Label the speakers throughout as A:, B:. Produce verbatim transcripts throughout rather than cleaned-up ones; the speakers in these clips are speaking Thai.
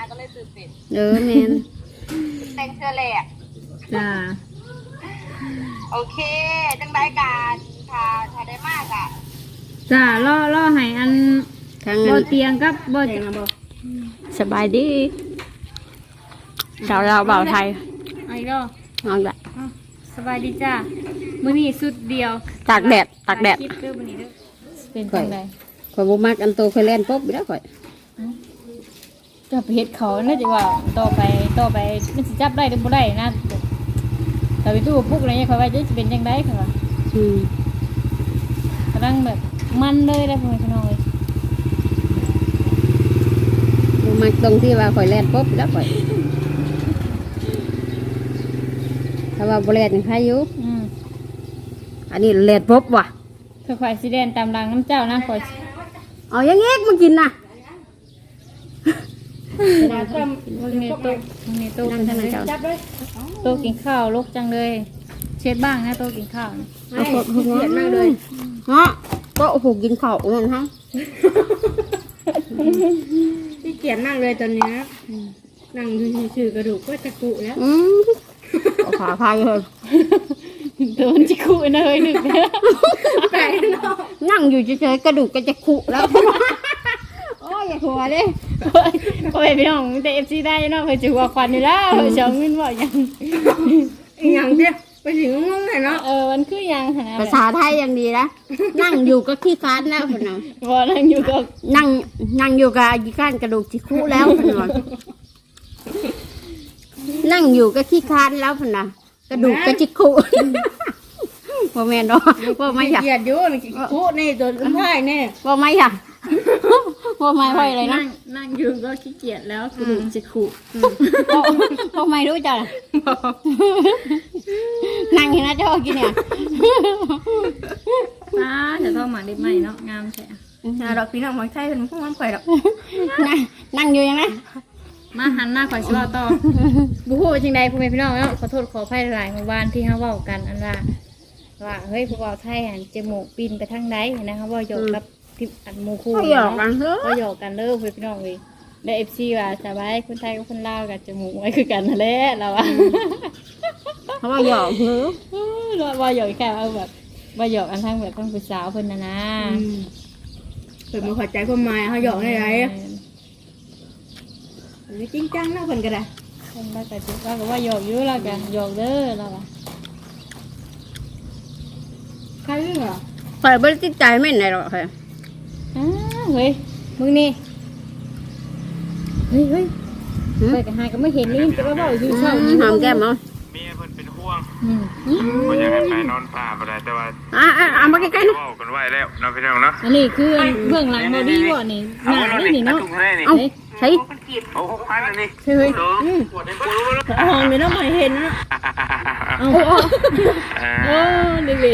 A: นะก็เลยซื้อเป็ด
B: เออแมน
A: แต่งเสื้อแหลก
C: จ้า
A: โอเคจังได้การถ้าถ้าได้มากอ่ะ
C: จ้าล่อล่อให้อันบ่เตียงกับบ่
B: สบายดีชาวเราบ่าวไทย
C: ไอ้ล่อน
B: อนแบบ
C: สบายดีจ้ามื้อนี้สุดเดียว
B: ตากแดดตากแดด
C: คลิปเด้อมื้อนี้เด้อเป็นจังได๋
B: ข่อยบ่มักอันโตเคยเล่นปุ๊บแล้วข่อย
C: จะไปเฮ็ดเขาเนื่องจากว่าต่อไปต่อไปมันสิจับได้หรือบ่ได้นะแต่ไปตู้ปุ๊กอะไรเนี่ยเขาว่าจะเป็นยังไงค่ะว่า
B: อืม
C: กำลังแบบมันเลยได้พ่อพี่น้องเลย
B: บ่มักตรงที่ว่าข่อยเล่นปุ๊บแล้วข่อยถ้าว่าบ่เล่นยังใครอยู่
C: อืม
B: อันนี้เล่นปุ๊บว่ะ
C: คือข่อยสิเด่นตามหลังน้ำเจ้านะข่อย
B: เอาอย่างงี้มากินน่ะ
C: มึงเนี่ยโต๊ะมึงเนี่ยโต๊ะเป็นจังเลยโต๊ะกินข้าวลกจังเลยเช็ดบ้างนะโต๊ะกินข้าว
B: เอาขดหัวมากเลยเนาะโต๊ะหูกินข้าวนั่นฮะ
D: ที่เกียจนั่งเลยตอนนี้นั่งดูชื่อกระดูกก็จะกุแล้ว
B: อืมขาพายเลย
C: โดนจิคุเลยหนึ่ง
D: ไปเนาะ
B: นั่งอยู่เฉยๆกระดูกก็จะขุแล้วโอ้ยอย่าหัวเลย
C: ก็ไปพี่น้องแต่เอฟซีได้เนาะเคยจูว่าควันอยู่แล้วเช้ามินบ่ยัง
D: อย่างเดียวไปถึงงงเลยเนาะ
C: เออมันคือยังนะ
B: ภาษาไทยยังดีนะนั่งอยู่ก็ขี้คานแล้วคนนั้น
C: พอนั่งอยู่ก็
B: นั่งนั่งอยู่กับขี้คานกระดูกจิคุแล้วคนนั้นนั่งอยู่ก็ขี้คานแล้วคนนั้นกระดูกก็จิคุพ่อแม่เนาะพ่อไม่อยาก
D: เกียจอยู่กุนี่ตัวสุดท้ายนี่
B: พ่อไม่อยากพ่อไม่ค่อยเลยนะ
C: นั่งอยู่ก็ขี้เกียจแล้วกระดูกจิคุ
B: พ่อไม่รู้จักนั่งเห็นนะเจ้ากินเนี่ย
C: ป้าจะต้องหมาได้ไหมเนาะงามใช่
D: ไหมดอกพี่น้องหมอนไทยเป็นพวกมันข่อยดอก
B: นั่งอยู่ยังไง
C: มาหันหน้าข่อยชิว่าต่อบุหูจริงใดพ่อแม่พี่น้องเนาะขอโทษขออภัยหลายเมื่อวานที่เขาเว้ากันอันว่าว่าเฮ้ยพวกเราไทยหันจมูกปีนไปทางไหนนะคะว่าหยอกกับที่อันมูคู
B: ก็หยอกกันเถอะ
C: ก็หยอกกันเลิกพ่อพี่น้องเลยและเอฟซีว่าสบายคนไทยกับคนลาวกับจมูกไว้คือกันนั่นแหละเราอะ
B: เขาว่าหยอกเถอะ
C: เราว่าหยอกแค่เอาแบบว่าหยอกอันทั้งแบบทั้งผู้สาวเพิ่นนะนะ
D: เพิ่นมาขอใจความหมายเขาหยอกได้ไรจริงจังนะเพิ่นก็ได้
C: เพิ่นว่าแต่ว่าก็ว่าหยอกอยู่แล้วกันหยอกเด้อเราอะ
D: ใครเรื่องเหรอ
B: ข่อยไม่ได้ติดใจไม่ไหนหรอกค่ะ
C: อ้าเฮ้ยมึงนี่เฮ้ยเฮ้ยไปกับหายก็ไม่เห็นนี่จะมาบอกอยู่เช่า
B: หอมแก้มเอา
E: เมียเพิ่นเป็นห่วงบ่อยากให้ไปนอนป่าบ่ได้แต่ว่า
B: อ่าอ่ามาใกล้ๆนะ
E: กันไว้แล้วเนาะพี่น้องเนาะ
C: อันนี้คือเบื้องหลังบอดี้บ่นี่หน้านี่เนาะ
B: เอาใช่
E: เอาหกพันอันนี้
C: เฮ้ย
D: หอมไม่ต้องมาเห็นนะ
C: โอ้โอ้โอ้ดีดี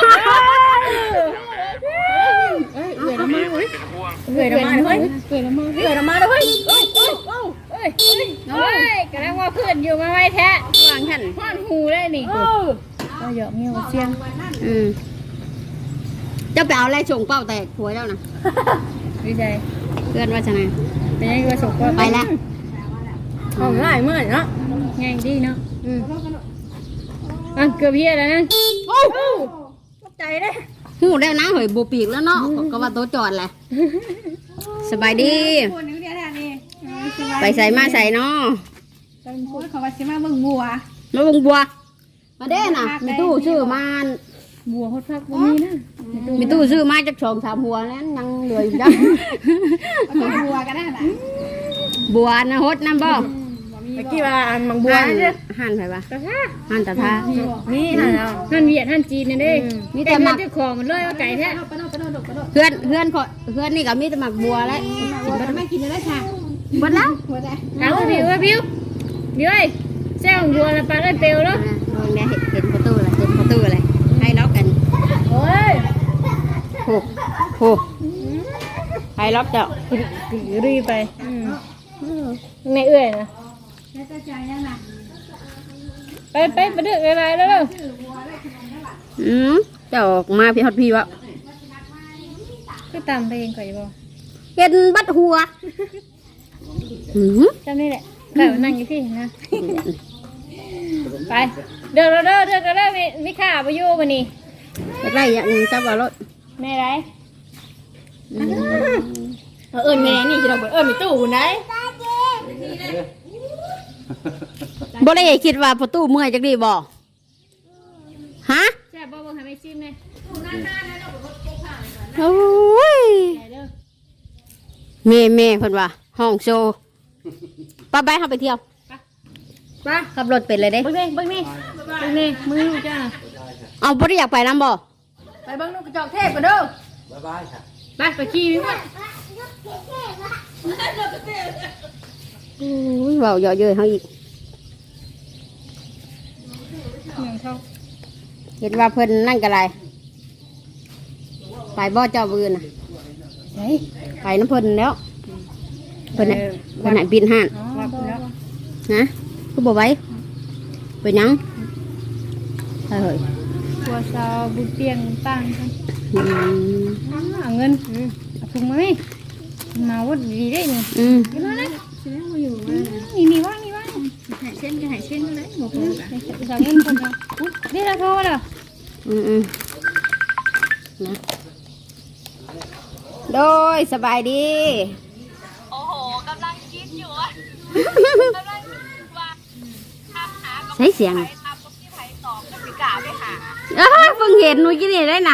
D: เอ้ยเอื่อยละมาเฮ้ยเอื่อยละมาเฮ้ยเอื่อยละมาเอื่อยละมาเฮ้ยเอ้ยเอ้ยเอ้ยเอ้ย
C: เอ้ยกำลังว่าเพื่อนอยู่มาไว้แท้
B: วางหัน
C: ห้อนหูได้นี่ก็หยอกเงี้ยวเชียง
B: อืมเจ้าไปเอาอะไรส่งเป้าแตกหัวเจ้านะ
C: วิจัย
B: เพื่อนว่าจะไง
C: เป็นยังไงว่าส่งเป้า
B: ไปแล้ว
D: หอมง่ายเมื่อเนาะ
C: ง่ายดีเนาะอืมอ่ะเกือบเพี้ยแล้วนะ
D: โอ้ใจเลย
B: หูแล้วนะเฮ้ยบูปีกแล้วเนาะก็ว่าโต๊ะจอดแหละสบายดีไปใส่มาใส่เนาะ
D: พูดเขาว่าสิมาเบิ่งบัว
B: มาเบิ่งบัวมาเด้น่ะมีตู้ซื้อมา
C: บัวฮอดพักบ่มีนะ
B: มีตู้ซื้อมาจากสองสามหัวนั้นยังเหลืออยู่จ้ะ
D: บัวก็ได้น่ะ
B: บัวนะฮดน้ำบ่
D: เมื่อกี้ว่าอันมังบัว
B: หั่นไปปะหั่นตะทา
D: นี่หั่น
C: หั่นเวียดหั่นจีนนี่เด้มีแต่หมักของมันเลยว่าไก่แท้
B: เพื่อนเพื่อนเพื่อนนี่ก็มีแต่หมักบัวแล้ว
D: ไม่กินได้ค่ะ
B: หมดแล้ว
C: เอาผิวผิวผิวไอ้แซ่ของบัวแล้วปลาได้เปลวแล้ว
B: มองได้เห็นประตูเลยเห็นประตูเลยให้ล็อกกัน
C: โอ้ย
B: โหโหให้ล็อกเจ้า
C: รีไปในเอื้อยนะไปไปไปดึกอะไรแล้วเด้อ
B: อืมเจ้าออกมาพี่ฮอดพี่วะ
C: คือตามเพลงก่อนอยู่บ่
B: เห็นบัดหัวหืม
C: จำนี่แหละแบบนั่งอยู่พี่นะไปเดินเด้อเดินเด้อมีมีข่าไปอยู่วันนี้
B: ได้อย่างหนึงจับเอารถ
C: แม่ไร
D: เอิญแม่นี่จะเราเอิญมีตู้ไหน
B: บ่ได้คิดว่าประตูเมื่อยจักดีบ่ฮะ
C: แซ่บบ่บ่ให้ไม่ชิมเลย
B: โอ้ยแม่แม่เพิ่นว่าห้องโชว์ป้าไปเฮาไปเที่ยว
C: ไป
B: ขับรถเป็นเลยเด้
C: เบิ่งนี่เบิ่งนี่เบิ่งนี่มือจ้า
B: เอาบ่ได้อยากไปนํบ่
D: ไปเบิ้งนกกระจอกเทพกันเด้อ
C: ไปไปขี่วิ่งมา
B: โอ้ยเว้าเยอะเย้ยเฮาอีก
C: เหมือนเขา
B: เห็นว่าเพิ่นนั่นก็ได้ไปบ่เจ้าบืนน่ะ
C: เฮ้ย
B: ไปน้ำเพิ่นแล้วเพิ่นน่ะเพิ่นน่ะบินห้าน
C: วับแล้ว
B: นะคือบ่ไหว้ไปหยังไปเฮ้ย
C: ตัวสาวบุญเตียงตั้งกัน
B: อืม
C: เอาเงินเอาถุงมาไหมมาวัดดีได้เนี่ย
B: อืม
C: นี่มาเลยนี่นี่ว่างนี่ว่าง
D: หายเส้นก็หายเส้นเลยหมดเลย
C: สาวเงินคนเดียวนี่เราโทรแล้ว
B: อืมอืมนะโดยสบายดี
A: โอ้โหกำลังคิดอยู่อะกำลังคิดว่าทำหากับ
B: ใช้เสียง
A: ไผ่ทำกับพี่ไผ่ตอบก็สิกาไปหา
B: อ้าเพิ่งเห็นหนูกินนี่ได้น่ะ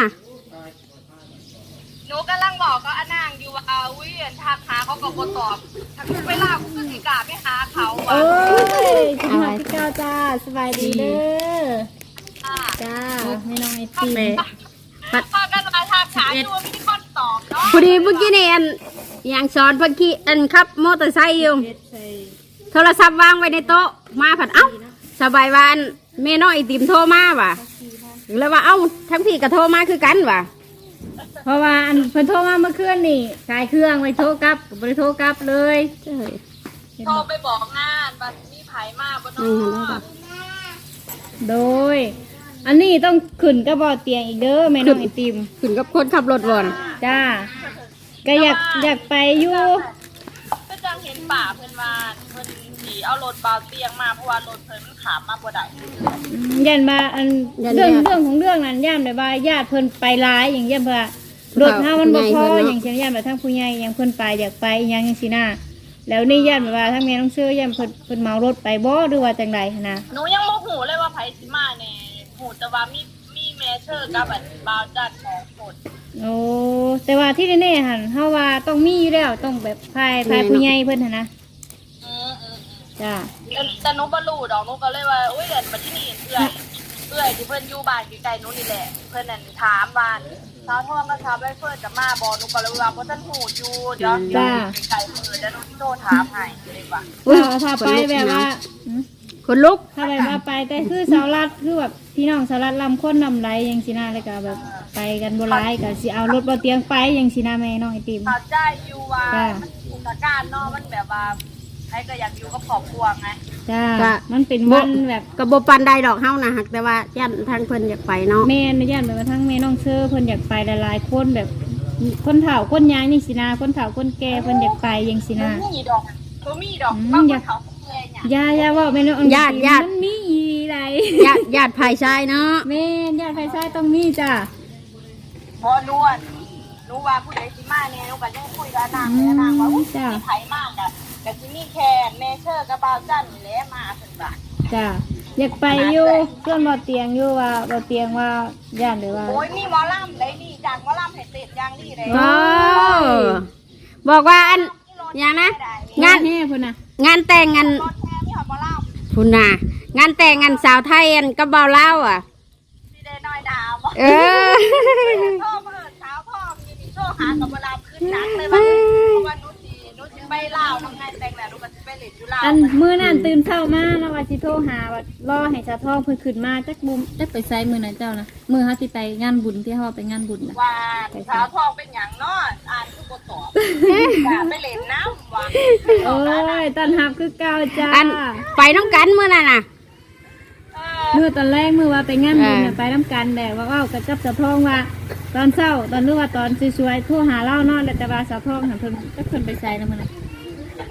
A: หนูกำลังบอกก็อนางอยู่ว่าเอาวิเวียนทักหาเขาก็บ่ตอบถ้าคุณเวลาคุณก็สิกาไปหาเขาอะ
C: เอ้ยจังหวัดที่เก้าจ้าสบายดีเด้อ
A: ค่ะ
C: จ้าไม่น้องไอติม
A: พากันมาทักหาอยู่ว่ามีคนตอบเนาะ
B: พอดีเมื่อกี้นี่อันอย่างสอนเพิ่นขี่อันขับมอเตอร์ไซค์อยู่โทรศัพท์วางไว้ในโต๊ะมาผัดเอ้าสบายวาอันแม่น้องไอติมโทรมาว่ะแล้วว่าเอ้าทั้งพี่ก็โทรมาคือกันว่ะ
C: เพราะว่าอันเพิ่นโทรมาเมื่อคืนนี่ขายเครื่องไว้โทรกลับก็บ่ได้โทรกลับเลย
A: โทรไปบอกงานบัดมีไผ่มาบ่
B: อื
A: เนา
B: มได้
A: ะ
B: ค่ะ
C: โดย อันนี้ต้องขึ้นกระบอกเตียงอีกเด้อแม่น้องไอติม
B: ขึ้นกับคนขับรถบ่อน
C: จ้าก็อยากอยากไปอยู่
A: ก็จังเห็นป่าเพิ่นว่าเพิ่นสิเอารถเบาเตียงมาเพราะว่ารถเพิ่นมันขามมาบ่ได้
C: อืมยันมาอันเรื่องเรื่องของเรื่องนั้นย่ามได้ว่าญาติเพิ่นไปร้ายอย่างเยี่ยมเพื่อรถเฮามันบ่พออย่างเช่นญาติแบบทั้งผู้ใหญ่อย่างเพิ่นไปอยากไปอหยังจังซี่นะแล้วนี่ญาติแบบว่าทั้งแม่น้องเชื่อย่าเพิ่นเพิ่นเมารถไปบ่หรือว่าจังไดหั้นนะ
A: หนูยังบ่ฮู้เลยว่าไผสิมาแน่ฮู้แต่ว่ามีมีแม่เชอร์กับอันบ่าวจัดสองคน
C: โอ้แต่ว่าที่แน่ๆหั่นเฮาว่าต้องมีอยู่แล้วต้องแบบพายพายผู้ใหญ่เพิ่นหั่นนะ
A: อืออือ
C: จ้า
A: แต่หนูบ่รู้ดอกหนูก็เลยว่าอุ้ยเดี๋ยวมาที่นี่เอื้อยเอื้อยที่เพิ่นอยู่บ้านใกล้ๆหนูนี่แหละเพิ่นนั่นถามว่าสาวทองกับสาวใบเฟิร์นจะมาบ่หนูก็เลยว่าบ่ทันฮู้อยู่เดี๋ยวเดี๋ยวใกล้ๆมื้อเดี๋ยวหนูสิโทรถามให้เลยว่า
C: ถ้าถ้าไปแบบว่าหืม
B: คนลุก
C: ถ้าแบบว่าไปแต่คือสาวรัดคือแบบพี่น้องสาวรัดลำคนนำไรอย่างสินะแล้วก็แบบไปกันโบราณก็สิเอารถบ่เตียงไปอย่างสินะแม่น้องไอติม
A: เข้าใจอยู่ว่ามันสถานการณ์เนาะมันแบบว่าใครก็อยากอยู่กับครอบครัวไง
C: จ้ามันเป็นวันแบบ
B: ก็บ่ปานใดดอกเฮานะหักแต่ว่าย่านทางเพิ่นอยากไปเนาะ
C: แม่นญาติแบบว่าทั้งแม่น้องเชื่อเพิ่นอยากไปหลายๆคนแบบคนเฒ่าคนยางนี่สินะคนเฒ่าคนแก่เพิ่นอยากไปอย่างสินะ
A: บ่มีดอกบ่มีดอกบางคนเขาแก่เนี่ย
C: ยาย่าว่าแม่น้องมันมีอีไร
B: ญาติญาติภายชายเนาะ
C: แม่นญาติไฟซ้ายต้องมีจ้า
A: พอรู้ว่ารู้ว่าผู้ใดสิมาเนี่ยหนูก็ยังคุยกับนางเลยนางว่าอุ้ยมีไผมากอะก็สิมีแค่แม่เชอร์กับบ่าวจันนี่แหละมาเพิ่นว่า
C: จ้าอยากไปอยู่เพื่อนบ่เตียงอยู่ว่าบ่เตียงว่าญาติหรือว่า
A: โอ้ยมีหมอลำได้นี่จากหมอลำให้เสร็จอย่างนี้เลย
B: โอ้บอกว่าอันอย่างนะ งาน
C: แห่เพิ่นน่ะ
B: งานแต่งงาน
A: รถแท้มีหอดหมอลำ
B: พุ่นน่ะงานแต่งงานสาวไทยอันกับเบาเล่าวอ่ะ
A: สิได้น้อยดาว
B: เออ
A: โทรมาเอิ้นสาวพ่อมีนี่โทรหากับเวลาขึ้นหนักเลยว่าเพราะว่าหนูสิหนูสิไปลาวน้ำงานแต่งแล้วหนูก็สิไปเล่นอยู่ลาว
C: อันมื้อนั้นตื่นเช้ามาแล้วว่าสิโทรหาว่ารอให้ชาทองเพิ่นขึ้นมาจักบุมจักไปไสมื้อนั้นเจ้านะมื้อเฮาสิไปงานบุญที่เฮาไปงานบุญน่ะ
A: ว่าสาวทองเป็นหยังเนาะอ่านคือบ่ตอบว่าไปเล่นน้ำว่า
C: โอ้ยต้อนรับคือเก่าจ้า
B: อันไปน้องกันเมื่อน่ะน่ะ
A: เออ
C: มื้อตอนแรกมื้อว่าไปงานบุญน่ะ
B: อ่า
C: ไปนํกันแต่ว่าเว้ากับจับชาทองว่า ตอนเช้าตอนนึกว่าตอนสวยๆโทรหาเล่าเนาะแล้วแต่ว่าสาวทองน่ะเพิ่นจักเพิ่นไปไสนำมื้อนั้น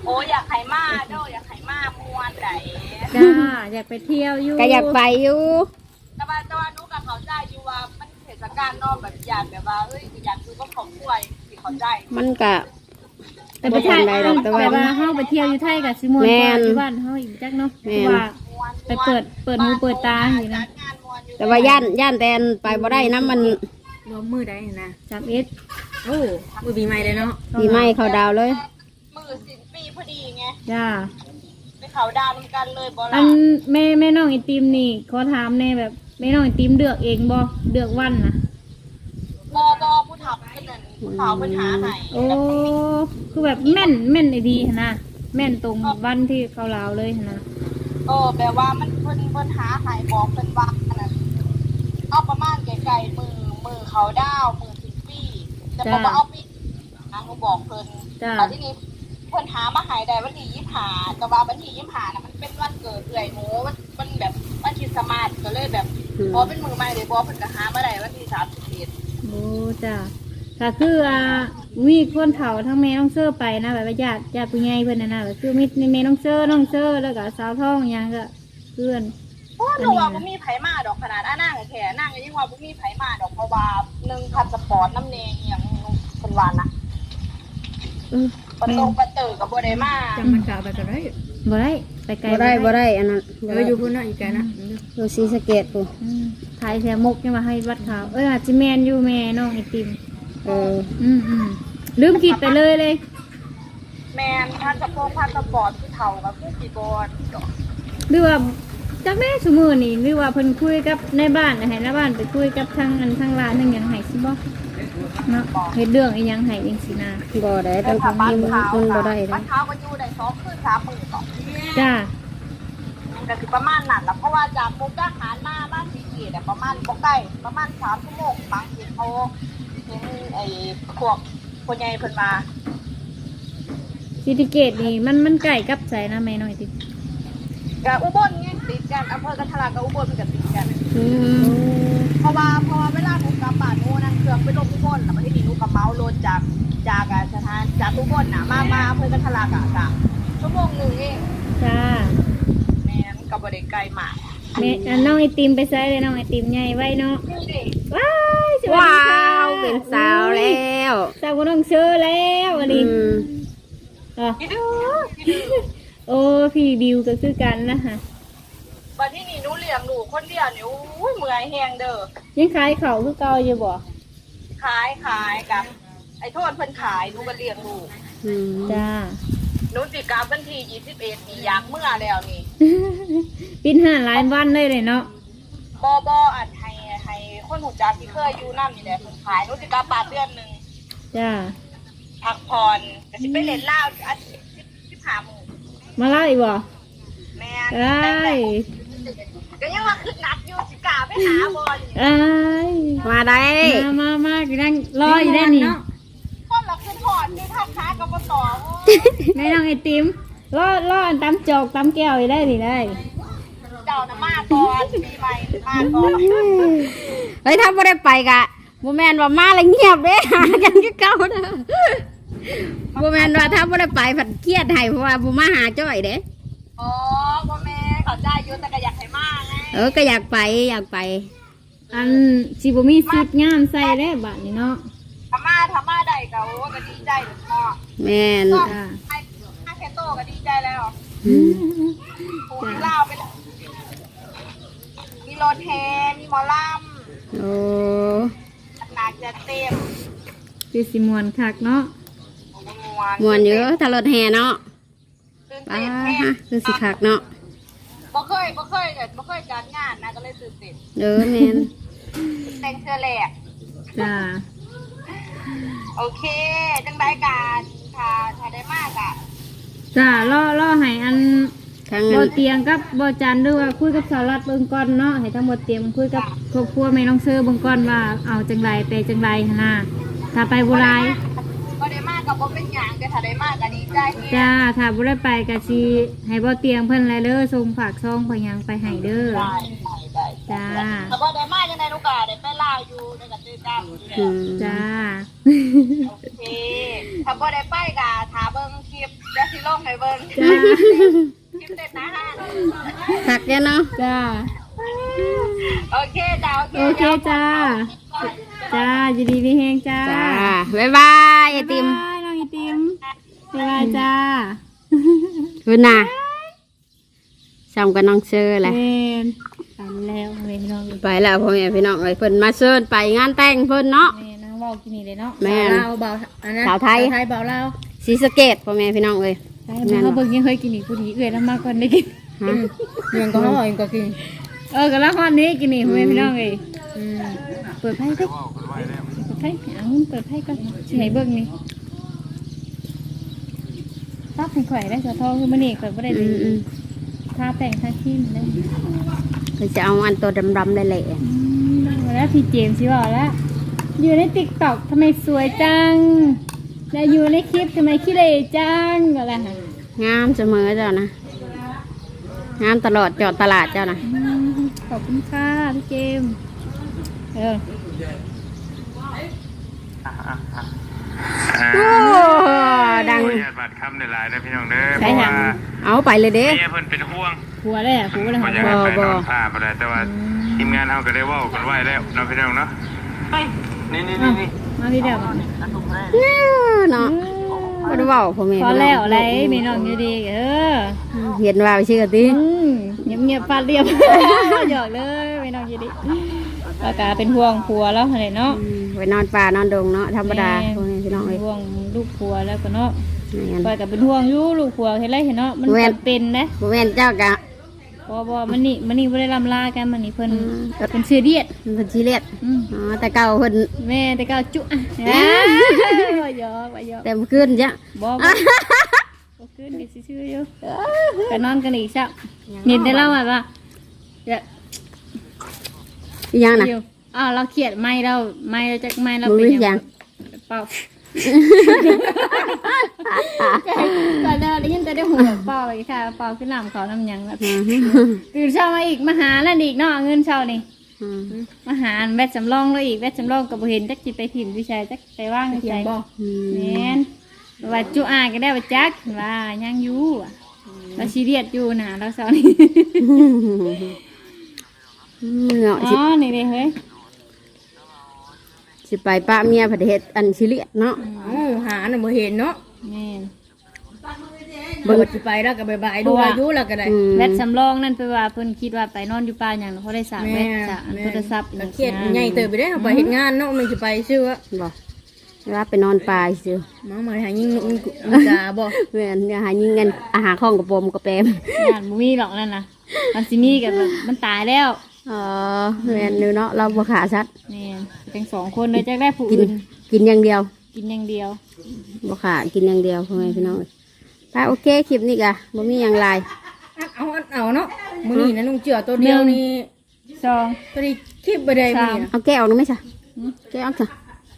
A: โอ้อยากให้มาเด้ออยากให้มามวนได
C: จ้าอยากไปเที่ยวอยู่
B: ก็อยากไปอยู่
A: แต่ว่าแต่ว่าหนูกับเขาใจอยู่ว่ามันเทศกาลเนอกแบบอยากแบบว่าเอ้ยอยากคือก็ของป่วยที่เขาใจ
B: มันก็
C: แต่ประเทศ
B: บ่ทันใดหรอกแต่
C: แต่
B: ว่า
C: ว่าเฮาไปเที่ยวอยู่ไทยกับสิม่วนก
B: แม่
C: ว่าน อยู่บ้านเฮาอีกจักเนาะเพ
B: แม่น
C: ราะว่า ไปเปิดเปิดหูเปิดตาอยู่นะ
B: แต่ว่าย่านย่านแตนไปบ่ได้นะมัน
D: รวมมือได้นะ
C: สามเอ็ด
D: โอ้มือปีใหม่เลยเนาะ
B: ปีใหม่เขาดาวเลย
A: มือสิ้นปีพอดีไง
C: จ้า
A: ไปเขาดาวน์กันเลยบอ
C: อั
A: ล่ะ
C: นแม่แม่น้องไอติมนี่ขอถามแน่แบบแม่น้องไอติมเลือกเองบ่เลือกวันนะ
A: บอบอผู้ทับเพิ่นนั่นผู้เขาปัญหาให้
C: โอ้คือแบบแม่นแม่นไอดีหั่นนะแม่นตรงวันที่เขาลาวเลยหั่นนะ
A: เออแปลว่ามันเพิ่นเพิ่นหาให้บอกเพิ่นว่าอันนั้นเอาประมาณไกลๆมือมือเขาดาวมือสิ้นปีแต่บอกว่าเอาปีหาหนูบอกเพิ่น
C: จ้า
A: ตอนที่นี้เพิ่นหามาใหายได้วันที่ยี่สิบห้าแต่ว่าวันที่ยี่สิบห้าน่ะมันเป็นวันเกิดเอื่อยหนูมันมันแบบวันคริสต์มาสก็เลยแบบ
B: อืม
A: พอเป็นมือใหม่เลยพอเพิ่นก็หามาได้วันที่สามสิบเอ็ด
C: โอ้จ้าก็คืออ่ามีคนเฒ่าทั้งแม่น้องเซอร์ไปนะแบบว่าญาติญาติผู้ใหญ่เพิ่นน่ะนะก็คือมีแม่น้องเซอร์น้องเซอร์แล้วก็สาวท้องหยังก็เพื่อน
A: โอ้หนูว่าบ่มีไผมาดอกขนาดอ้านั่งแค่นั่งก็ยังว่าบ่มีไผมาดอกเพราะว่าหนึ่งพันสปอร์ตน้ำแดงอหย่างเพิ่นว่านะ
C: เออ
A: ประตงประเตอก็บ่ได้มา
D: จำมันกล่าวไปกันได้
C: บ่ได้ไปไกล
B: บ่ได้บ่ได้อันนั้น
D: เอออยู่พุ่นเนาะอีกแกนะ
B: อยู่ศรีสะเกษพุ่น
C: อืมถ่ายแถวมกยังมาให้วัดขาวเอออาจจะแมนอยู่แม่น้องไอติม
B: เออ
C: อืมอืมลืมคิดไปเลยเลย
A: แมนพันสปงพันสปอร์ตคือเฒ่ากับผู้กี่บอล
C: หรือว่าจากแม่สมือนี่หรือว่าเพิ่นคุยกับในบ้านนะให้ในบ้านไปคุยกับทางอันทางร้านทางหยังให้สิบ่เนาะเฮ็ดเรื่องอีหยังให้จังซี่นะ
B: บ่ได้ต้อง
A: ถ้าบ้าน
B: มี
A: ขาว
B: คนบ่ได้
A: บ้า
B: เด้
A: นขาวก็อยู่ได้สองคืนสามมื้อต่อ
C: จ้า
A: ก็คือประมาณนั้นแหละเพราะว่าจากมุกดาหารมาบ้านสีเกียรติประมาณบ่ใกล้ประมาณสามชั่วโมงบางทีเขาเห็นไอ้พวกคนใหญ่เพิ่นมา
C: ซิติเกตนี่มันมันใกล้กับไสนะแม่น้องไอติม
A: กับอุบลไงติดกันอำเภอกันทะลักกับอุบลมันก็ติดกัน
B: อืม
A: เพราะว่าเพราะว่าเวลาหนูกลับบ้านหนูนั่งเครื่องไปลงอุบลแล้วมาที่นี่หนูกับเมาโลนจากจากอ่ะสถานจากอุบลน่ะมามาอำเภอกันทะลักอ่ะจ้ะชั่วโมงหนึงเอง
C: จ้า
A: แม่นก็บ่ได้ไกลมาก
C: แม่อันน้องไอติมไปไสเลยน้องไอติมใหญ่ไว้เนาะ
A: นี่ดิ
C: ว้ายสวัส
B: ว้า
C: ดีค่ะ
B: วเป็นสาวแล้ว
C: สาวกับน้องเชื่อแล้วอัน
B: อื
C: นี้
B: ม
C: อ่ะ
A: พี่ดื้อพี่ดื้อ
C: โอ้พี่บิวก็คือกันนะคะ
A: บัดที่นี่หนูเลี้ยงลูกคนเดียวนี่อุ้ยเมื่อยแฮงเด้อ
C: ยังขายเขาวคือเก่าอยู่บ่
A: ขายขายกับไอ้โทษเพิ่นขายหนูก็เลี้ยงลูก
B: อืม
C: จ้า
A: หนูสิกลับวันที่ยี่สิบเอ็ดนี่อยากเมื่อแล้วนี่
C: ปิ้นห้าหลายวันเลยเลยเนาะ
A: บ่บ่อันให้ให้คนหูจักที่เคยอยู่นำนี่แหละเพิ่นขายหนูสิกลับบ้านเดือนหนึง
C: จ้า
A: พักผ่อนก็สิไปเล่นลาวอาทิตย์สิบห้ามื้อ
C: มาเล่าอีกบ่
A: แม่
C: ไอ้าย
A: ก็ยังว่าคือนัดอยู่สิกล้าไปหาบ่นี่
C: ไอ้าย
B: มาได้
C: มามามาอยู่นั่งรออยู่ได้นี่
A: คนละขึ้นพอดอยู่ทางค้ากับบ่ต่อโอ้ย
C: แม่น้องไอติมรอรออันตำจอกตำแก้วอยู่ได้นี่ได้
A: เจ้าน่ะมาก่อนปีใหม่มาก่อน
B: เฮ้ยถ้าบ่ได้ไปกะบ่แม่นว่ามาแล้วเงียบเด้ หากันคือเก่าเด้อบ่แม่นว่าถ้าบ่ได้ไปผัดเครียดให้เพราะว่าบ่มาหาจ้อยเด้
A: อ๋อพ่อแม่เข้าใจอยู่แต่ก็อยากให้มาไง
B: เออก็อยากไปอยากไป
C: อันสิบ่มีสุดงามใส่แล้วบัดนี้เนาะ
A: ทำมาทำมาได้ก็โอ้ก็ดีใจหรือพ่อ
B: แม่น
A: ก็
C: จ้า
A: ไอ้ไอ้แคโตก็ดีใจแล้ว
B: อืม
A: ปูที่เล่าไปแล้วมีรถแฮมีหมอล
B: โอ้
A: ำหนักจะเต็ม
C: คือสิมวนคักเนาะ
A: มวน
B: ม่วนเยอะถ้ารถแห่เนาะ
A: ตื่น
B: ป้า
A: เต้นแฮ
B: ฮะคือสิคักเนาะ
A: บ่เคยบ่เคยเนี่ยบ่เคยจัดงานนะก็เลยตื่นเต้น
B: เออแม่น
A: แต่งเสื้อแหลก
C: จ้า
A: โอเค จังได้การถ้าถ้าได้มากอ่ะ
C: จ้ารอรอให้อัน
B: ทาง
C: บ่
B: นั้น
C: เตียงกับบ่จันหรือว่าคุยกับสาวรัดเบิ่งก่อนเนาะให้ทั้งบ่เตียงคุยกับครอบครัวแม่น้องเซอร์เบิ่งก่อนว่าเอาจังไรไปจังไรหั่นน่ะถ้าไปบ่หลาย
A: ก็ได้มากกับบ่เป็นหยังแต่ถ้าได้มากก็ดีใจแฮ
C: จ้าถ้าบ่ได้ไปก็สิให้บ่เตียงเพิ่นแลเด้อส่งฝากซองพยังไปให้เด้อ
A: ได้ได้
C: จ้า
A: ถ้าบ่ได้มากจังได๋ลูกก็ได้ไปลาวอยู่ได้ก็ตื่นกันอยู่
B: อื
A: แล้ว
B: ม
C: จ้า
A: โอเค ถ้าบ่ได้ไปก็ถ้าเบิ่งคลิปจะสิลงให้เบิ่ง
C: จ้า
A: คลิปเด็ดนะฮะ
B: หักแกเนาะ
C: จ้า
A: โอเคจ้าโอเค
C: โอเคจ้าจ้ายินดีมีแฮงจ้า
B: จ้าบ๊ายบายไอติม
C: บ๊ายบายน้องไอติมบ๊ายบายจ้า
B: คุณน่ะซ้ำกับน้องเชอร์แหละ
C: เล่นไปแล้วเว้ยน้อง
B: ไปแล้วพ่อแม่พี่น้องเอ้ยเพิ่นมาเชิญไปงานแต่งเพิ่นเนาะ
C: แม่นั่งเว้ากินนี่เลยเนาะ
B: แม่น
D: ลาวเบาอันนั้น
B: สาวไทย
D: ไทยเบาลาว
B: ศรีสะเกษพ่อแม่พี่น้องเอ้ย
C: ไปมาเขาเบิ่งยังเคยกินนี่กูดีเอื้อยแล้วมากกว่าได้กิน
B: ฮะ
D: เมืองก็ห่อเองก็กิน
C: เออก็ละฮอดนี้กินนี่พ่อแม่พี่น้องเอ้ย
D: อืม
C: เปิดไพ่ก็เปิดไพ่เอาเปิดไพ่ก็สิให้เบิ่งนี่ตับให้ข่อยได้สะทองคือมื้อนี้ข่อยบ่ได้
B: อืมอืม
C: ทาแต่งทาครีมเลย
B: เพิ่นจะเอาอันตัวดำๆเลยแหละ
C: อืมแล้วพี่เจมส์สิบอกแล้วอยู่ในติ๊กต็อกทำไมสวยจังแล้วอยู่ในคลิปทำไมขี้เหร่จังอะไรฮะ
B: งามเสมอเจ้านะงามตลอดจอดตลาดเจ้านะ
C: อืมขอบคุณค่ะพี่เจมส์เออ
B: โอ้ดัง
E: ขออนุญาตบัดคำในลายได้พี่น้องเด้อเพ
C: ใช่
E: ราะ
C: ค่ะ
E: ว่า
B: เอาไปเลยเด้
E: เมียเพิ่นเป็นห่วง
C: ผัวเลยอ่ะผัวเลย
E: บ่
C: ค่ะ
E: อยากให้ไป
B: บ่
E: น
B: บ่
E: อนผ้าบ่ได้แต่ว่าทีมงานเฮาก็ได้เว้ากันไว้แล้วเนาะพี่น้องเนาะไปนี่นี่นี่นี่
C: มาพี่เดียว
B: เนาะบ่ได้เว้าพ่อแม่
C: พอ
B: พี่น้อง
C: แล้วอะไรมีน้องอยู่ดีเออ
B: เห็นว่าไปชื่อติ
C: อืมเงียบเงียบๆฟาดเรียบ หยอกเลยมีน้องอยู่ดีปากาเป็นห่วงผัวแล้วอะไรเนาะ
B: อืมไปนอนป่านอนดงเนาะธรรมดาพ่อแม่พี่น้องเอ้ย
C: ห่วงลูกผัวแล้วก็เนาะ
B: แม่น
C: ปอยกับเป็นห่วงอยู่ลูกผัวเห็นไรเห็นเนาะมัน
B: แม่น
C: จำเป็นนะ
B: บ่แม่นเจ้ากะ
C: บอบอมันนี่มันนี่ไม่ได้ลำลากันมันนี่เพิ่น
B: อืม
C: เพิ่นซื้อเดียด
B: เพิ่นสิเลียด
C: อืม
B: อ๋อแต่เก่าเพิ่น
C: แม่แต่ก็จุอ่ะว่าหยอกว่าหยอก
B: แต่เมื่อคืนจ้ะ
C: บอบอขึ้นกันซื่อๆอยู่ก็นอนกันอีกซักเห็นได้เล่าว่าว่าเดี๋ยว
B: อีหยังน่ะ
C: เดี๋ยวอ้าวเราเขียดไม่เราไม่เราจะไม่เรา
B: บ่
C: เป็น
B: มีหยัง
C: เปล่าก็เดินได้ยินแต่ได้หัวเปล่าอีกค่ะเปล่าขึ้นน้ำเขาน้ำหยังแบบ
B: อืม
C: ตื่นเช้ามาอีกมาหาแล้วอีกเนาะเงินเช้านี่
B: อืม
C: มาหาแวดสำรองเลยอีกแวดสำรองกับเห็นจักจิไปถิ่มวิชัยจักไปว่างใจบ่
B: อืม
C: แม่นว่าจุอาก็ได้ว่าจักว่ายังอยู่อะเราซีเรียสอยู่นะเราเช้านี่
B: อืมเนาะ
C: อ๋
B: สิ
C: อนี่เลยเฮ้ย
B: สิไปป้าเมียประเทศอันสิเลียดเนาะ
D: เอ้าหาน่ะบ่เห็นเนาะ
C: แม่น
D: เบิ่งสิไปแล้วก็บายๆดูอายุแล้วก็ได้
B: อืม
C: แวดสำรองนั่นไปว่าเพิ่นคิดว่าไปนอนอยู่ป่าอย่างเขาได้สากแว
D: แม่
C: ดสากอัน
D: แม่
C: โทรศัพท์
D: ก็เครียดใหญ่เติบไปได้อไปเฮ็ดงานเนาะมันสิไปซื่อว่า
B: บ่ว่าไปนอนป่าซื่อ
D: มามาหายิงนุกาบ่
B: แม่นอย่าหายิงกันอาหารข้องกับปมกับแปม
C: งานบ่มีหรอกนั่นน่ะมันสิมีกับแบบมันตายแล้ว
B: อ๋อแม่นอยู่เนาะเราบ่ขาสัตว์
C: แม่นเป็นสองคนเลยจักได้ผู้
B: กิน
C: อื่น
B: กินอย่างเดียว
C: กินอย่างเดียว
B: บ่ขากินอย่างเดียวพ่อแม่พี่น้องถ้าโอเคคลิปนี้ก็บ่มีหยังหลาย
D: อัดเอาอัดเอาเนาะมื้อนี้นะนุ่งเจือตัวเดียวนี่
C: สอง
D: ตัวนี้คลิปบ่ได้มื้อนี้นะ
B: เอาแก้วออกหรือไม่ใช่แก้วออกจ้ะ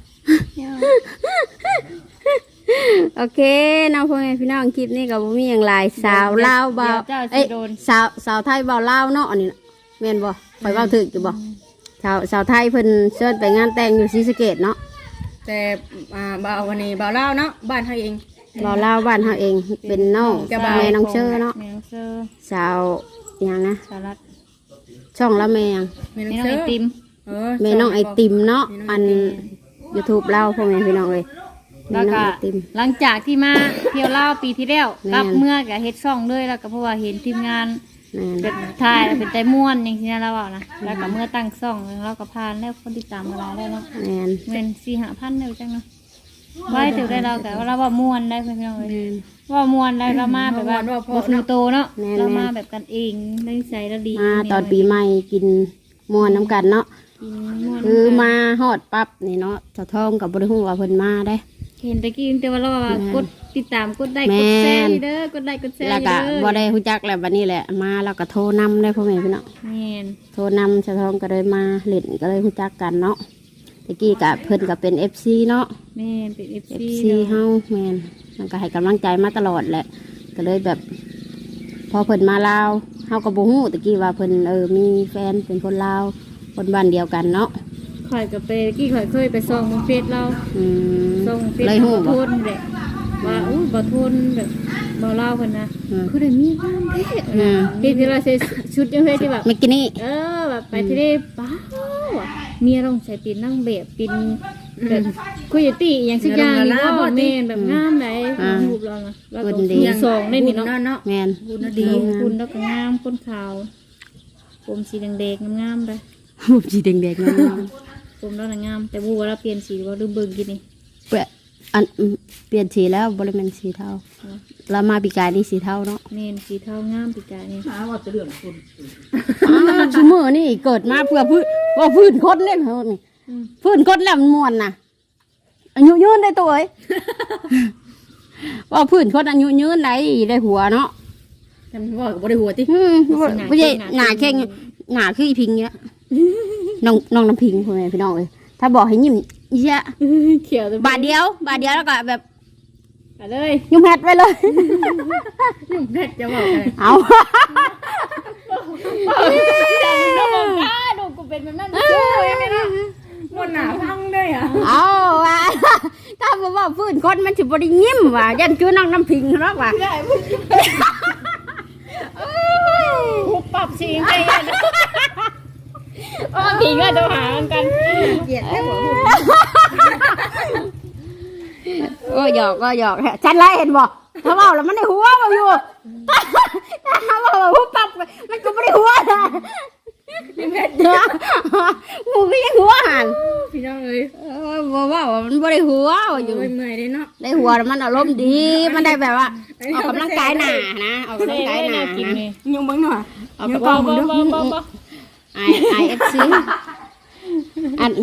B: โอเคน้องพ่อแม่พี่น้องคลิปนี้ก็บ่มีหยังหลายสาวลาวบ่าวเอ้ยสาวสาวไทยบ่าวลาวเนาะอันนี้น่ะแม่นบ่ข่อยเว้าถูกอยู่บ่สาวสาวไทยเพิ่นเชิญไปงานแต่งอยู่ศรีสะเกษเนาะ
D: แต่อ่าบ่าววันนี้บ่าวลาวเนาะบ้านเฮาเอง
B: บ่าวลาวบ้านเฮาเองเป็นน้อง
D: จะบ่าว
B: แม่น้องเชอเนาะ
C: แม่น้องเซอร์
B: สาวอิหยังนะ
C: สารัต
B: ช่องละแม่หยัง
D: แม่
C: แม่
D: น้
C: น้
D: อ
C: อง ง
D: เสื
C: ไอ
D: อ
C: ติม
D: เออ
B: แม่น้องไอติมเนาะอัน YouTube เล่าพ่อแม่พี่น้องเอ้ยแม่
C: แล้ว
B: น้อง
C: ก็
B: ไอติม
C: หลังจากที่มาเที่ยวเล่าวปีที่แล้ว
B: แม่น
C: กลับเมื่อกับเฮ็ดช่องเลยแล้วก็เพราะว่าเห็นทีมงาน
B: แม่น
C: เป็นถ่ายเป็นไตม่วนอย่างที่นั่นแล้วนะแล้วก็เมื่อตั้งช่องแล้วก็พานแล้วคนติดตามมาหลายแล้วเนาะ
B: แม่น
C: เงินสี่ห้าพันเดียวจังเนาะไว้ถือได้เราแต่ว่าเราว่าม่วนได้เพื่อนพี่น้องเลย
B: แม่น
C: ว่าม่วนได้เรามาแบบว่าบฟูโตเนาะ
B: แม่น
C: เรามาแบบกันเองได้ใส่แล้วดี
B: มาตอนปีใหม่กินม่วนน้ำกันเนาะ
C: กินม่วน
B: คือมาฮอดปั๊บนี่เนาะสะท้องกับบริหุ่ว่าเพิ่นมาได้
C: เห็นตะกี้แต่ว่าเราว่ากดติดตามกดได้
B: แม่
C: ก
B: น
C: ดแชร์เด้อกดได้กดแชร์
B: แล้วก็
C: เด้อ
B: บ่ได้ฮู้จักแล้วบัดนี้แหละมาแล้วก็โทรนำได้พ่อแม่พี่น้อง
C: แม่น
B: โทรนำสะท้องก็เลยมาเล่นก็เลยฮู้จักกันเนาะตะกี้ก็เพิ่นก็เป็น เอฟ ซี เนาะ
C: แม่นเป็นเอฟ
B: เอฟ
C: ซี
B: ซีเฮาแม่นมันก็ให้กำลังใจมาตลอดแหละก็เลยแบบ พอเพิ่นมาลาวเฮาก็บ่ฮู้ตะกี้ว่าเพิ่นเออมีแฟนเป็นคนลาวคนบ้านเดียวกันเนาะ
C: ข่อยกับไปกี้ข่อยเคยไปส่องบนเฟซเรา
B: อืม
C: ส่องเฟซ
B: เลยฮู้
C: บ่
B: บ่
C: ทนแหละว่าอู้บ่ทนแบบบ่เล่าเพิ่นนะ
B: อืม
C: คือได้มีความเท่
B: อืม
C: ที่ที่เราใส่ชุดจังซี่ที่แบบ
B: เมื่อกี้นี่
C: เออแบบไปทะเลป้าวอะเมียต้องใส่ปีนนั่งแบบปีนแบบคุยตี้อหย่างสักอย่างนี่ก็แม่นแบบงามไหนรูปเรานะแล้วก็มีสองในนี่เนาะ
D: เนาะ
B: แม่น
D: บุญ
C: ดี
D: ดี
C: คุณแล้วก็งามคนขาวผมสีแดงๆงามๆไป
B: รูปสีแดงๆนั่น
C: ผมแล้วน่ะงามแต่บูว่าเราเปลี่ยนสีว่าดูเบิ่งกินนี่
B: เปลี่ยนอันอืมเปลี่ยนสีแล้วบ่ได้แม่นสีเทาเรามาปีกายนี่สีเทาเนาะ
C: เมนสีเทางามปีกายนี่
D: หาว่าจะเรื่องคุณ
B: อ้าวชูมือนี่เกิดมาเพื่อพื้นว่าพื้นคนเล่นเขานี่พื้นคนแล้วมันม่วนน่ะอายุยืนได้ตัวเอ้ย ว่าพื้นคนอายุยืนได้ได้หัวเนาะ
D: ทำว่ากับบริหัวติ
B: อืมไม่ใช่หนาแข้งหนาคืออีพิงเนี้ยน้องน้องน้ำพิงพ่อแม่พี่น้องเลยถ้าบอกให้ยิ้มอีเชี่ย
C: เขียวตัว
B: บาทเดียวบาทเดียวแล้วก็แบบ
C: ไปเลย
B: ยุ่มแฮดไปเลย
C: ยุ่งแพทจะบอกอะไร
B: เอา
C: ดูกูเป็นแบบนั้น
D: มันหนาพังได้อ่ะ
B: เอาว่ะถ้าบอกว่าพื้นคนมันถือบริยิ้มว่ะยันคือน้องน้ำพิงหรอกว่ะ
C: หุบปรับสีไปอ๋อพิงก็จะหากัน
D: เกลียดได้หัว
B: โอ้หยอกก็หยอกฉันไล่เห็นบ่ถ้าว่าแล้วมันในหัวมาอยู่ถ้าว่าหัวปับมันก็ไม่ได้หัวนะมูก็ยังหัวหัน
D: พี่น้องเลย
B: บอกว่ามันไม่ได้หัวอยู่
D: เมื่อยเลยเนาะ
B: ได้หัวมันอารมณ์ดีมันได้แบบว่าออกกำลังกายหนานะออกกำลังกายหนา
C: กิน
B: นะ
C: นี่
D: ยังบังหน่อย
B: ออก
D: ยัง
B: กำ
D: ก
B: ลั
D: อง งมึงด้วย
C: บ่บ่
B: ไอไอเอฟซีอัน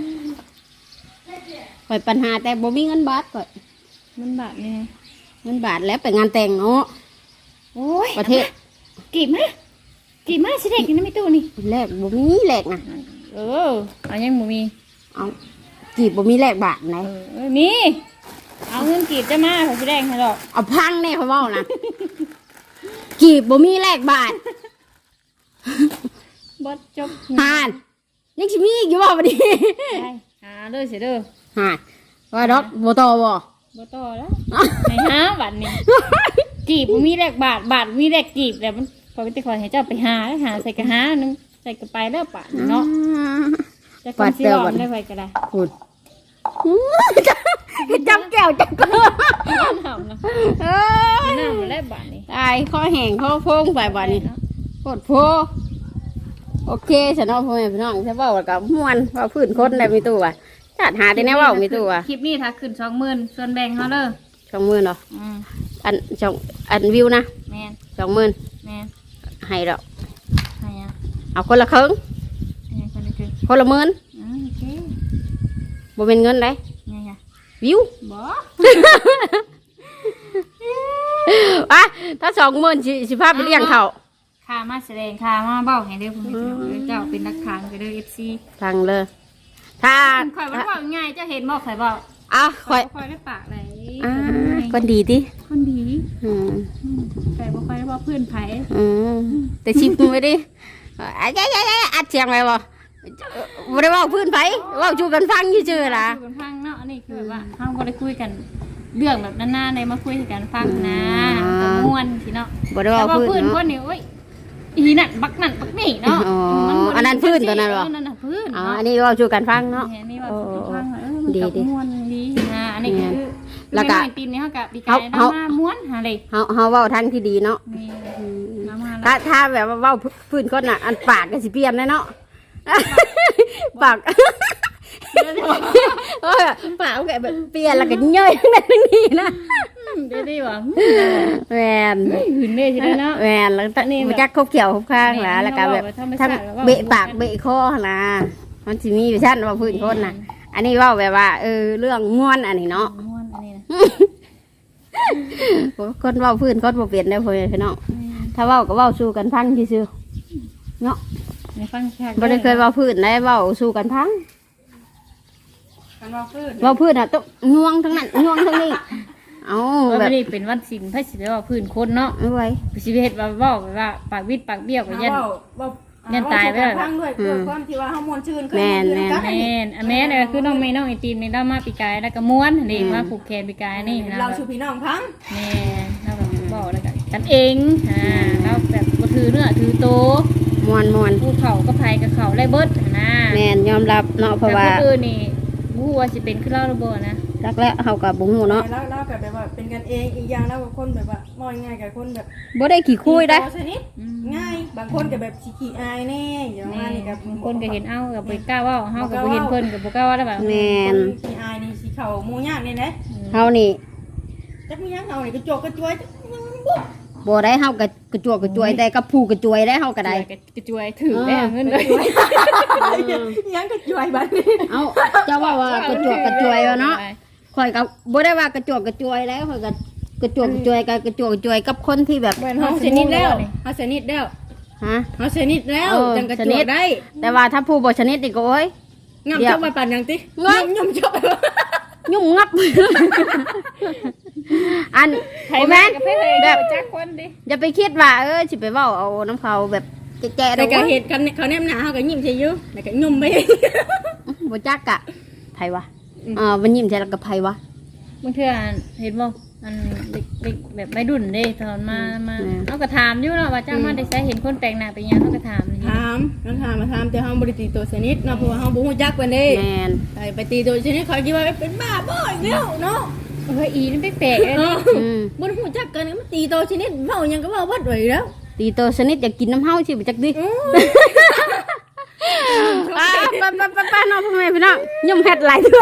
B: ข่อยปัญหาแต่บ่มีเงินบาทก่อย
C: มันบาดนี่
B: เงินบาทแล้วไปงานแต่งเนาะ
C: โอ้ย
B: ประเทศ
C: กี่มากี่มาสิเด็กกินไม่ตู้นี่
B: แลกบ่มีแลกนะ
C: เออเอายังบ่มี
B: เอากีบบ่มีแลกบาทไหน
C: เออมีเอาเงินกีบจะมาเขาสิแดงให้ดอก
B: เอาพังแน่เขาเว้านะกีบบ่มีแลกบาท
C: บ่จบ
B: หานยังสิมีอีกอยู่บ่บัดนี้
C: ได้หาเด้อสิเด้อ
B: หานว่าดอกบ่ต่อบ่
C: บ่ต่อแล้วให้หาบัดนี้กีบบ่มีแลกบาทบาทมีแลกกีบแต่มันพอไปติคอยให้เจ้าไปหาหาใส่กระหานึงใส่กระไปแล้วปะเนาะจะคนสิรอมได้ไปก็ได้
B: พูดจำแก้วจังก็
C: น้ำนะ
B: เอ้ย
C: น้ำมาแล้วบาทนี้
B: ตายข้อแห้งข้อโพงไปบัดนี้โคตรโพโอเคฉันเอาพ่อแม่พี่น้องใช่เว้ากับม่วนว่าพื้นคนได้มีตู้ว่ะจัดหาได้แน่เว้ามีตู้ว่ะ
C: คลิปนี้ถ้าขึ้นสองหมื่นส่วนแบ่งเขาเด้อ
B: สองหมื่นเหรอ
C: อืม
B: อันสองอันวิวนะ
C: แมน
B: สองหมื่น
C: แมน
B: ให้ดอก
C: ให้อ่ะ
B: เอาคนละครึ่ง
C: ให้คนละครึ่ง
B: คนละหมื่น
C: อืมโอเค
B: บ่เป็นเงินได้
C: ไงอ่ะ
B: วิว
C: บ่
B: อ่ะถ้าสองหมื่นสิสิพาไปเลี้ยงเขา
C: ค่ามาแสดงค่ามาเบ้าให้เด้อคุณผู้ชมเจ้าเป็นนักทางไปเด้อ เอฟ ซี
B: ทางเลย ถ้า
C: ข่อยว่าว่าง่ายเจ้าเห็นบ่ข่อยบอก
B: อ่ะค
C: ข่
B: อ
C: อย ยบ่ค่อยได้ปากเลย
B: อ่าคนดีดิ
C: คนดี
B: อืม
C: แต่บ่ค่อยได้ว่าเพื่อนไผ
B: อืมแต่ชิปมือดิอ่ะยายยายอัดเสียงไงบ่บ่ได้เว่าพื้นไผเว่าจูกันฟังซื่อๆล่ะ
C: คุยกันฟังเนาะอันนี้คือแบบว่าเฮาบ่ได้คุยกันเรื่องแบบนานๆในมาคุยกันฟังนะก็ม่วนสิเนาะ
B: บ่ได้
C: แต่
B: เว่า
C: ว่า
B: พื้น
C: พื้นค
B: เนาะ
C: นนี่โอ้ยอีนั่นบักนั่นบักนี่เนาะ
B: อ๋อ
C: มับ่ได้
B: อันนั้นพื้นตัวนั้นเหรอ
C: เนั่นน่ะพื้น
B: อ๋อ
C: เนาะ
B: อันนี้เว่าจูกันฟังเนาะ
C: แหนี่ว่าสุขภาพเออมัน
B: ดี
C: กับ
B: ดี
C: ม้วนดีนะอันนี้คือ
B: แล้วก็
C: คือไม่น้อยตีนนี่เขากับปีกาย
B: เอา
C: น้ำมาม้วนหาเลย
B: เฮาเฮาเว้าทางที่ดีเนาะ
C: นี่น้ำมา
B: ถ้าถ้าแบบว่าเว้าพื้นคนน่ะอันปากก็สิเปลี่ยนเลยเนาะ ปากเออปากก็แบบเปลี่ยนแล้วก็ย่อยทั้งนั้นทั้งนี้นะ
C: ได้ดีว่ะ
B: แมน
C: หืนเลยใช่ไหมเนาะ
B: แมนแล้วตอนนี้มันจักคบเขียวคบข้างหละแล้วก็แบบทั้งเบะปากเบะคอนะมันสิมีอยู่ชั้นว่าพื้นคนน่ะ อันนี้เว่าแบบว่าเออเรื่องง่วนอันนี้เนาะ
C: ม้วนอันนี้นะ
B: คนเว่าพื้นคนบ่เปลี่ยนได้อพ่อแม่พี่น้องถ้าเว้าก็เว้าสู้กันพังซื่อๆเนาะ
C: ในฟังแค่
B: บ่ได้เคยเว้าพื้นได้เว้าสู้กันพัง
D: กันว่าพื้น
B: เว้าพื้นน่ะต้องง่วงทั้งนั้นง่วงทั้งนี้เอา
C: ว่า
B: แบบ
C: ไม่ได้เป็นวันศิลป์พระศิลป์ว่าพื้นคนเนาะ
B: เอาไว้
C: ชีวิตว่าว่าว่าปากวิดปากเบี้ยวกับยัน ยันตายไปเลย
D: พังด้วยเพื่อความที่ว่าเฮามวนชื่น
B: แม่นแม่น
D: กัน
C: แม่นอันแม่เนี่ยคือน้องเมย์น้องไอตีนในด้านมาปีกายแล้วก็ม้วนนี่มาผูกแขนปีกายนี่นะ
D: เราชูพี่น้องพัง
C: แม่แล้วแบบบกันเองอ่าเราแบบบ่ถือเนื้อถือโต
B: มวนมวน
C: ผู้เขาก็ไผกับเขาไล่เบิดนะ
B: แม่นยอมรับเนาะเพราะว่า
C: แต่คนอื่นนี่บ่ฮู้ว่าสิเป็นคือเราหรือบ่นะ
B: รักแล้วเฮาก็บ่ฮู้เนาะ
D: แล้วเรากับแบบว่าเป็นกันเองอีกอย่างแล้วกับคนแบบว่ามองง่ายกับคนแบบ
B: บ่ได้ขี้คุยได้
D: ชนิดง่ายบางคนกับแบบขี้อายแน่อย่างว่านี่กับบ
C: างคนก็เห็นเอ้าก็บ่กล้าเว้าเฮาก็บ่เห็นเพิ่นก็บ่กล้าเว้าได้แบบ
B: แม่น
D: ขี้อายนี่สีเขาหมูย่างนี่นะ
B: เฮานี่
D: จักมีย่างเอานี่กระจกกระจวย
B: บ่ได้เฮาก็กระจวกกระจวยแต่กับผู้กระจวยได้เฮาก็ได้
C: กระจวยถือได้เงินเลย
D: ย่างกระจวยบ้านนี้
B: เอ้าเจ้าว่าว่ากระจวกกระจวยว่าเนาะข่อยก็บ่ได้ว่ากระจวกกระจวยแล้วข่อยก็กระจวกกระจวยกับกระจวกกระจวยกับคนที่แบบ
D: เหมือนเขาชนิดแล้วเขาชนิดแล้ว
B: ฮะ
D: เขาชนิดแล้ว
B: เออ
D: จังกระ
B: ช
D: จ
B: นิ
D: ว
B: ด
D: กได้
B: แต่ว่าถ้าผู้บ่ชนิดนี่ก็โอ้ย
D: งาม
B: เดี๋ยว
D: ชอบไปปั่นยังติ
B: เงย
D: งามชอบ
B: ยุ่งงับ อัน
C: ไผ
B: โอ้
C: แม่
B: แม่น
C: ก็เพิ่นเลย
B: แบบ
C: จักคนดิ
B: อย่าไปคิดว่าเออสิไปเว้าเอาน้ำเขาแบบแก่ๆ
D: แต่
B: ดอก
D: ก็
B: วะ
D: เหตุกันเขาแนมหนาเขาก็ยิ้มใช่ยุ่แต่ก็ยุ่มไป
B: บ่จักกะไผวะอ่ามันยิ้มใส่แล้วก็ไผวะ
C: บางเทื่อเห็นบ่อันเด็กๆแบบวัยรุ่นเด้ตอนมามา
B: อืม
C: เฮาก็ถามอยู่เนาะว่าเจ้ามาได้ใช้เห็นคนแต่งหน้าเป็นหยังเฮาก็ถามอยู่
D: ถามน้องถามมาถามแต่เขาบริตีตัวชนิดเนาะเพราะว่าเขาบุ้งจักกันเด้
B: แม่น
D: ไปไปตีตัวชนิดเขาคิดว่าเป็นบ้าบ่อยเนาะเนาะ
C: เฮ้ยอีนี่แปลกๆเด้
D: เออ
B: อืม
D: บุ้งจักกันมันตีตัวชนิดเมายังก็เมาวัดไว้แล้ว
B: ตีโตชนิดอยากกินน้ำเฮาสิบ่จักดิ
D: อือ
B: ป้าป้าป้าป้าป้าน้องพ่อแม่พี่น้องยุ่มเฮ็ดหลายเทื่อ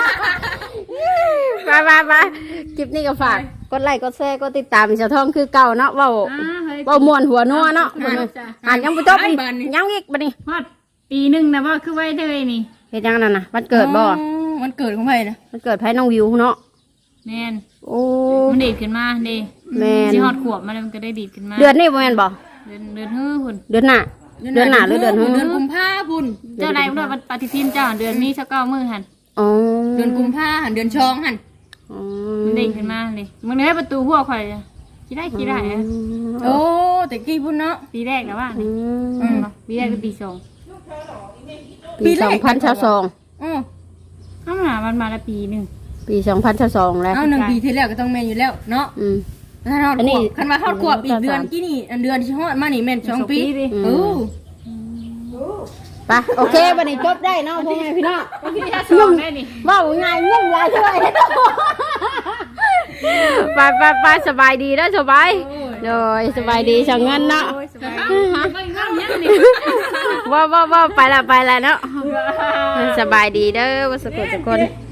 B: ป้าป้าป้าคลิปนี้ก็ฝากกดไลค์กดแชร์กดติดตามเจ้าทองคือเก่าเนาะเว้า
C: อ่าเฮ้ย
B: เว้าม่วนหัวนัวเนาะอ่านยังบ่จบอีกยังอีกบัดนี้
C: ฮอดปีหนึงนะบ่คือไว้เลยนี่
B: เฮ็ดยังนั่นน่ะวันเกิดบ่
D: มันเกิดของใครนะ
B: วันเกิดไผน้องวิวเนาะ
C: แม่น
B: โอ้
C: มันดีดขึ้นมาเด้
B: แม่น
C: สิฮอดขวบมาแล้วมันก็ได้ดีดขึ้นมา
B: เดือนนี้บ่แม่นบ่
C: เดือนเดือนฮื้อพุ่น
B: เดือนหน้าเดือนหน้าหรือเดือนหื้อ
D: เดือนกุมภาพันธ์
C: เจ้าใดบ่ได้ปฏิทินเจ้าเดือนนี้สักเก้ามื้อหั่น
B: อ๋อ
D: เดือนกุมภาพันธ์เดือนชองหัน
B: อ๋อ
C: มันดีดขึ้นมาเด้มึงได้ประตูหัวข่อยอะสิได้สิได้อะ
D: โอ้แต่กี้พุ่นเนาะ
C: ปีแรกนะว่า
B: อื
C: นี่
B: ม
C: ปีแรกคือปีสอง
B: ปีสองพันสิบสอง
D: อือ
C: เอ้ามามันมาละปีหนึง
B: ปีสองพันสิบสองแล้ว
D: เอาหนึ่งปีที่แล้วก็ต้องแม่นอยู่แล้วเนาะ
B: อืม
D: ถ้าฮอด
B: อันนี้
D: ขวบคันว่าฮอดขวบอีกเดือน
B: สาม
D: กี่นี่อันเดือนที่ฮอดมานี่แม่นสองปี
C: ดิ
D: เออ
B: ไปโอเควันนี้จบได้เนาะพ่อแม่พี่น้อง
C: พี่ถ้าสองได้นี่
B: ว่าง่ายง่ายหลายเท่าไหร่ไปไปไปสบายดีแล้วสบายโดยสบายดีช่างเงินเนาะ
C: ไม่งั้นยังนี่
B: ว่าว่าว่าไปละไปละเนาะสบายดีเด้อว่าสกุลทุกคน